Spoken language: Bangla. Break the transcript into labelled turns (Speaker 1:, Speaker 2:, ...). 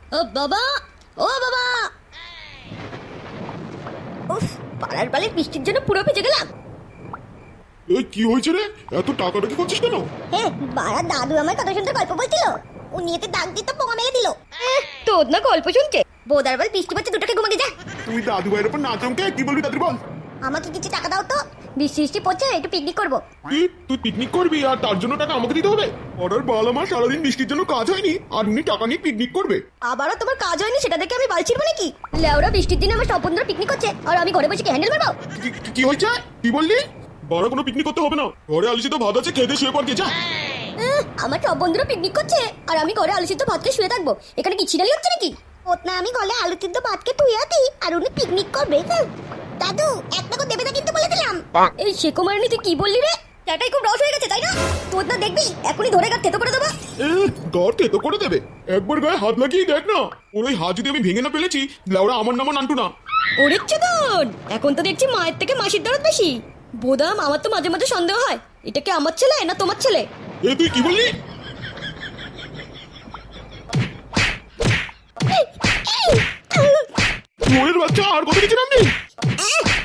Speaker 1: ও বাবা, ও বাবা। উফ, পাড়ার বালের বৃষ্টির জন্য পুরো ভিজে গেলাম।
Speaker 2: এই কি হয়েছে রে? এত টাকাটা কি করছিস কেন?
Speaker 3: হ্যাঁ, বাড়া দাদু আমার কত সুন্দর গল্প বলছিল। উনি এতে দাগ দিতে পোঙা মেরে দিল।
Speaker 1: তোর না গল্প শুনছে। বোদার বল বৃষ্টি পড়ছে, দুটোকে ঘুমাকে যা।
Speaker 2: তুই দাদু ভাইয়ের উপর না চমকে কি বলবি তাদের বল।
Speaker 3: আমাকে কিছু টাকা দাও তো, বৃষ্টি বৃষ্টি পড়ছে, একটু পিকনিক করবো।
Speaker 2: কি তুই পিকনিক করবি আর তার জন্য টাকা আমাকে দিতে হবে? অর্ডার বাল আমার সারাদিন বৃষ্টির জন্য কাজ হয়নি আর উনি টাকা নিয়ে পিকনিক করবে?
Speaker 1: আবারও তোমার কাজ হয়নি সেটা দেখে আমি বাল ছিড়বো নাকি? লেওরা বৃষ্টির দিনে আমার সব বন্ধুরা পিকনিক করছে আর আমি ঘরে বসে কি হ্যান্ডেল মারবো?
Speaker 2: কি হয়েছে? কি বললি? বড় কোনো পিকনিক করতে হবে না, ঘরে আলিসি তো ভাত আছে, খেতে শুয়ে পড় যা।
Speaker 1: আমার সব বন্ধুরা পিকনিক করছে আর আমি ঘরে আলু সিদ্ধ ভাত খেয়ে শুয়ে থাকবো। এখানে কি ছিড়ালি হচ্ছে নাকি?
Speaker 3: ওতনা আমি গলে আলু সিদ্ধ ভাতকে তুইয়া দিই আর উনি পিকনিক করবে। দাদু একটা করে দেবে না কিন্তু বলে দিলাম।
Speaker 1: এই শেকুমারানি তুই কি বললি রে? টাটাই খুব রস হয়ে গেছে তাই না? তোর না দেখবি এখনই ধরে গাছ থেতো করে দেবো।
Speaker 2: গড় তো করে দেবে, একবার গায়ে হাত লাগিয়ে দেখ না। ওর ওই হাত যদি আমি ভেঙে না ফেলেছি, লাউরা আমার নামও নান্টু না।
Speaker 1: ওরে চোদন, এখন তো দেখছি মায়ের থেকে মাসির দরদ বেশি। বোদাম, আমার তো মাঝে মাঝে সন্দেহ হয় এটা কি আমার ছেলে না তোমার ছেলে।
Speaker 2: তুই কি বললি? ওরের বাচ্চা আর কত কিছু নামবি?